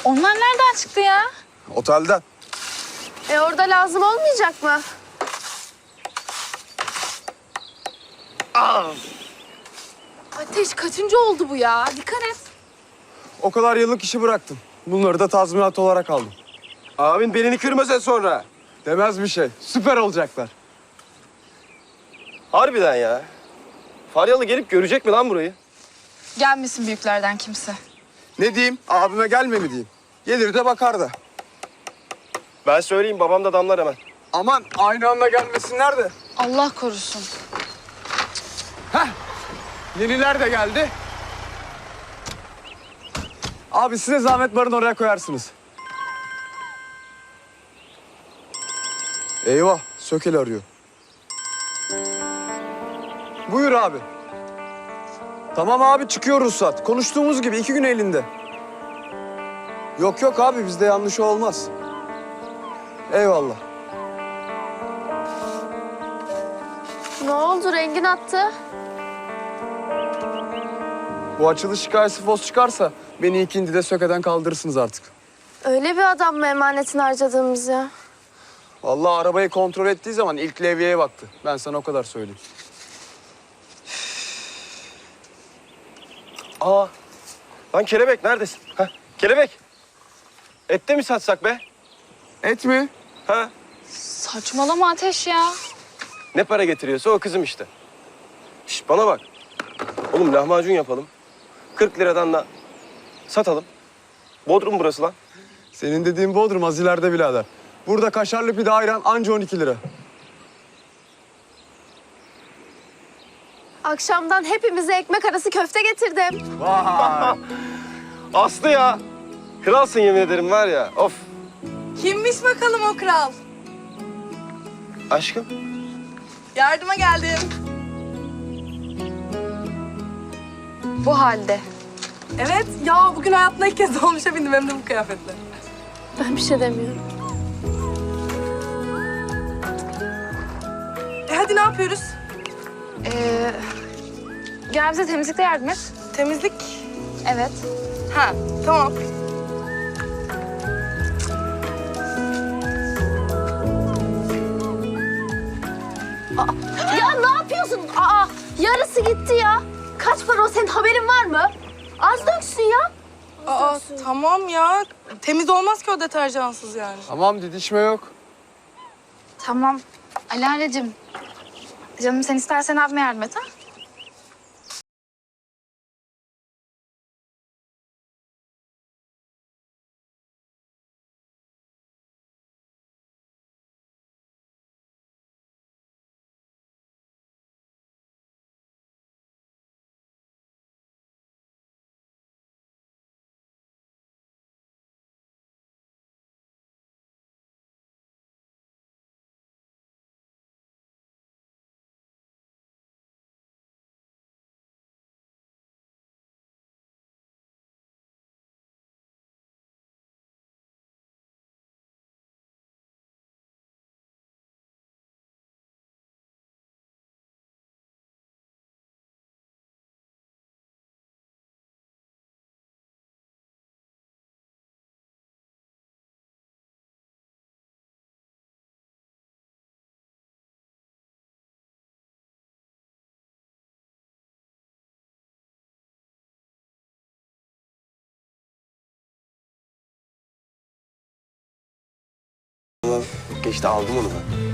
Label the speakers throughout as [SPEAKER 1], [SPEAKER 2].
[SPEAKER 1] Onlar nereden çıktı ya?
[SPEAKER 2] Otelden.
[SPEAKER 3] Orada lazım olmayacak mı? Ateş kaçıncı oldu bu ya? Dikkat et.
[SPEAKER 2] O kadar yıllık işi bıraktım. Bunları da tazminat olarak aldım.
[SPEAKER 4] Abin belini kırmasa sonra.
[SPEAKER 2] Demez bir şey. Süper olacaklar.
[SPEAKER 4] Harbiden ya. Faryalı gelip görecek mi lan burayı?
[SPEAKER 1] Gelmesin büyüklerden kimse.
[SPEAKER 2] Ne diyeyim? Abime gelme mi diyeyim? Gelir de bakar da.
[SPEAKER 4] Ben söyleyeyim, babam da damlar hemen.
[SPEAKER 2] Aman aynı anda gelmesinler de.
[SPEAKER 1] Allah korusun.
[SPEAKER 2] Yeniler de geldi. Abi size zahmet barın oraya koyarsınız. Eyvah, Sökel arıyor. Buyur abi. Tamam abi, çıkıyor ruhsat. Konuştuğumuz gibi 2 gün elinde. Yok yok abi, bizde yanlış olmaz. Eyvallah.
[SPEAKER 3] Ne oldu? Rengin attı.
[SPEAKER 2] Bu açılış hikayesi fos çıkarsa beni ikindi de Söke'den kaldırırsınız artık.
[SPEAKER 3] Öyle bir adam mı emanetini harcadığımız ya?
[SPEAKER 2] Vallahi arabayı kontrol ettiği zaman ilk levyeye baktı. Ben sana o kadar söyleyeyim.
[SPEAKER 4] Aa, lan kelebek neredesin? Ha, kelebek. Ette mi satsak be?
[SPEAKER 2] Et mi?
[SPEAKER 4] Ha?
[SPEAKER 1] Saçmalama Ateş ya.
[SPEAKER 4] Ne para getiriyorsa o kızım işte. Şş, bana bak. Oğlum lahmacun yapalım. 40 liradan da satalım. Bodrum burası lan.
[SPEAKER 2] Senin dediğin Bodrum az ileride birader. Burada kaşarlı pide ayran anca 12 lira.
[SPEAKER 3] Akşamdan hepimize ekmek arası köfte getirdim.
[SPEAKER 2] Vay!
[SPEAKER 4] Aslı ya. Kralsın yemin ederim var ya. Of.
[SPEAKER 5] Kimmiş bakalım o kral?
[SPEAKER 4] Aşkım.
[SPEAKER 5] Yardıma geldim.
[SPEAKER 1] Bu halde.
[SPEAKER 5] Evet, ya bugün hayatımda ilk kez dolmuşa bindim hem de bu kıyafetle.
[SPEAKER 3] Ben bir şey demiyorum.
[SPEAKER 5] Hadi ne yapıyoruz?
[SPEAKER 1] Gel bize temizlikte yardım et.
[SPEAKER 5] Temizlik.
[SPEAKER 1] Evet.
[SPEAKER 5] Ha, tamam.
[SPEAKER 3] Ya ne yapıyorsun? Yarısı gitti ya. Kaç para o, senin haberin var mı? Az döksün ya.
[SPEAKER 5] Aa, tamam ya. Temiz olmaz ki o deterjansız yani.
[SPEAKER 2] Tamam didişme yok.
[SPEAKER 1] Tamam. Alaleciğim. Canım sen istersen abime yardım et ha.
[SPEAKER 4] Geçti aldım onu ben.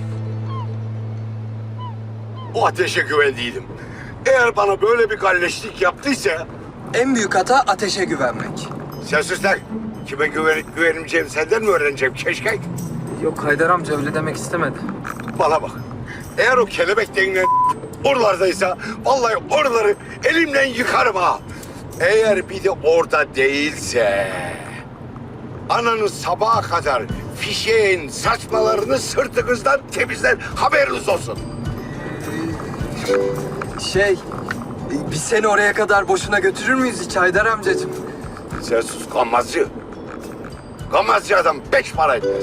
[SPEAKER 6] O ateşe güvendiydim. Eğer bana böyle bir galleşlik yaptıysa...
[SPEAKER 7] En büyük hata ateşe güvenmek.
[SPEAKER 6] Sen sus lan. Kime güveneceğimi senden mi öğreneceğim keşke?
[SPEAKER 7] Yok Haydar amca öyle demek istemedi.
[SPEAKER 6] Bana bak. Eğer o kelebek denilen oralardaysa... ...vallahi oraları elimle yıkarım ha. Eğer bir de orada değilse... ...ananın sabaha kadar fişeğin saçmalarını sırtınızdan temizler, haberiniz olsun.
[SPEAKER 7] Biz seni oraya kadar boşuna götürür müyüz hiç Haydar amcacığım?
[SPEAKER 6] Sen sus gammazcı. Gammazcı adam 5 para etmez.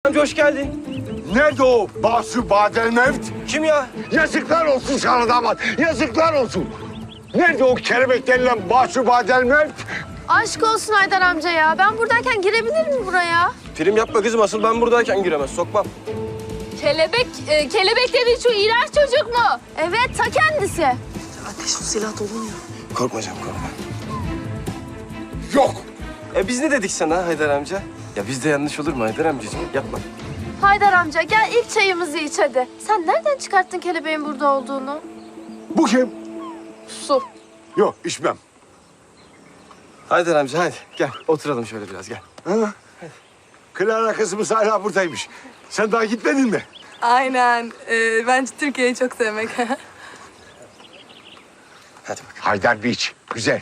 [SPEAKER 4] Amca hoş geldin.
[SPEAKER 6] Nerede o Basu Badel Mevt?
[SPEAKER 4] Kim ya?
[SPEAKER 6] Yazıklar olsun sana damat. Yazıklar olsun. Nerede o kelebek denilen Basu Badel Mevt?
[SPEAKER 3] Aşk olsun Haydar amca ya. Ben buradayken girebilir mi buraya?
[SPEAKER 4] Prim yapma kızım. Asıl ben buradayken giremez. Sokmam.
[SPEAKER 3] Kelebek dediğin şu iğrenç çocuk mu? Evet, ta kendisi.
[SPEAKER 5] Ateş o silah dolmuyor.
[SPEAKER 4] Korkma canım korkma.
[SPEAKER 6] Yok.
[SPEAKER 4] Biz ne dedik sana Haydar amca? Ya bizde yanlış olur mu Haydar amcacığım? Yapma.
[SPEAKER 3] Haydar amca gel ilk çayımızı iç hadi. Sen nereden çıkarttın kelebeğin burada olduğunu?
[SPEAKER 6] Bu kim?
[SPEAKER 3] Su.
[SPEAKER 6] Yok içmem.
[SPEAKER 4] Haydar amca hadi gel oturalım şöyle biraz gel.
[SPEAKER 6] Ha? Clara kızımız hala buradaymış. Sen daha gitmedin mi?
[SPEAKER 5] Aynen. Bence Türkiye'yi çok sevmek.
[SPEAKER 4] Hadi bakalım.
[SPEAKER 6] Haydar Beach. Güzel.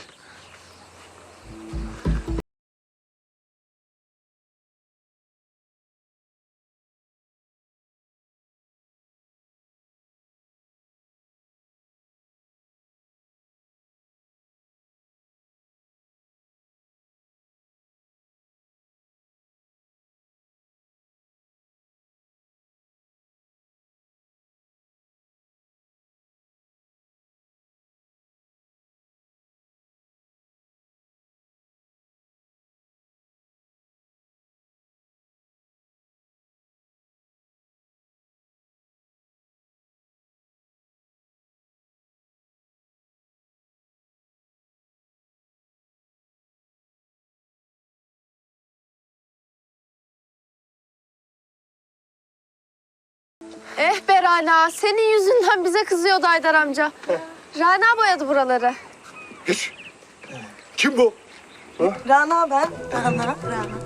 [SPEAKER 3] Be Rana, senin yüzünden bize kızıyordu Haydar amca. Rana boyadı buraları.
[SPEAKER 6] Geç. Kim bu?
[SPEAKER 5] Rana ben. Rana.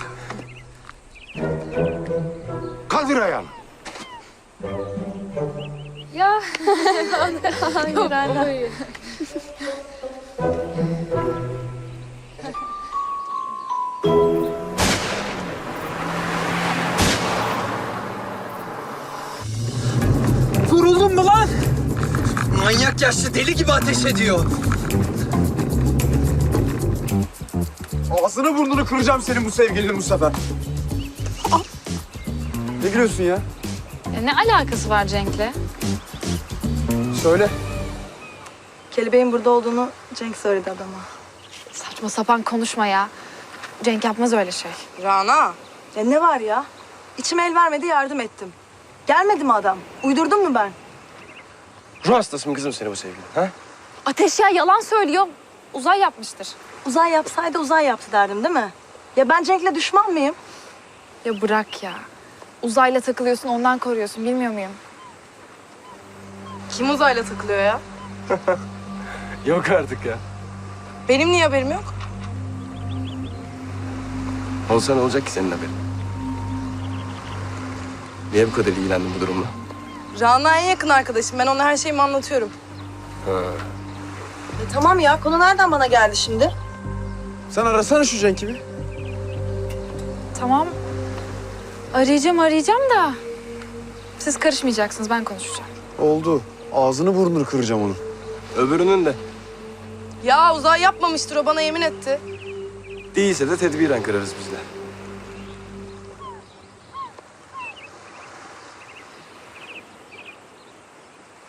[SPEAKER 6] Kaldır ayağını.
[SPEAKER 3] Ya. Hayır Rana.
[SPEAKER 7] Vuruldun mu lan? Manyak yaşlı deli gibi ateş ediyor.
[SPEAKER 2] Ağzını burnunu kıracağım senin bu sevgilini Mustafa. Ne gülüyorsun ya?
[SPEAKER 1] Ne alakası var Cenk'le?
[SPEAKER 2] Söyle.
[SPEAKER 5] Kelebeğin burada olduğunu Cenk söyledi adama.
[SPEAKER 1] Saçma sapan konuşma ya. Cenk yapmaz öyle şey.
[SPEAKER 5] Rana. Ya ne var ya? İçim el vermedi yardım ettim. Gelmedi mi adam? Uydurdum mu ben?
[SPEAKER 4] Ruh hastası mı kızım seni bu sevgilin? Ha?
[SPEAKER 1] Ateş ya yalan söylüyor. Uzay yapmıştır.
[SPEAKER 5] Uzay yapsaydı uzay yaptı derdim değil mi? Ya ben Cenk'le düşman mıyım?
[SPEAKER 1] Ya bırak ya. Uzayla takılıyorsun ondan koruyorsun bilmiyor muyum?
[SPEAKER 5] Kim uzayla takılıyor ya?
[SPEAKER 4] Yok artık ya.
[SPEAKER 5] Benim niye haberim yok?
[SPEAKER 4] Olsa ne olacak ki senin haberin? Niye bu kadar ilgilendin bu durumla?
[SPEAKER 5] Rana en yakın arkadaşım. Ben ona her şeyimi anlatıyorum. Tamam ya. Konu nereden bana geldi şimdi?
[SPEAKER 2] Sen arasana şu Cenk'i bir.
[SPEAKER 1] Tamam. Arayacağım da. Siz karışmayacaksınız ben konuşacağım.
[SPEAKER 2] Oldu. Ağzını burnunu kıracağım onun.
[SPEAKER 4] Öbürünün de.
[SPEAKER 5] Ya uzay yapmamıştır. O bana yemin etti.
[SPEAKER 4] Değilse de tedbiren kırarız biz de.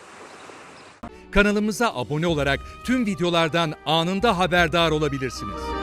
[SPEAKER 8] Kanalımıza abone olarak tüm videolardan anında haberdar olabilirsiniz.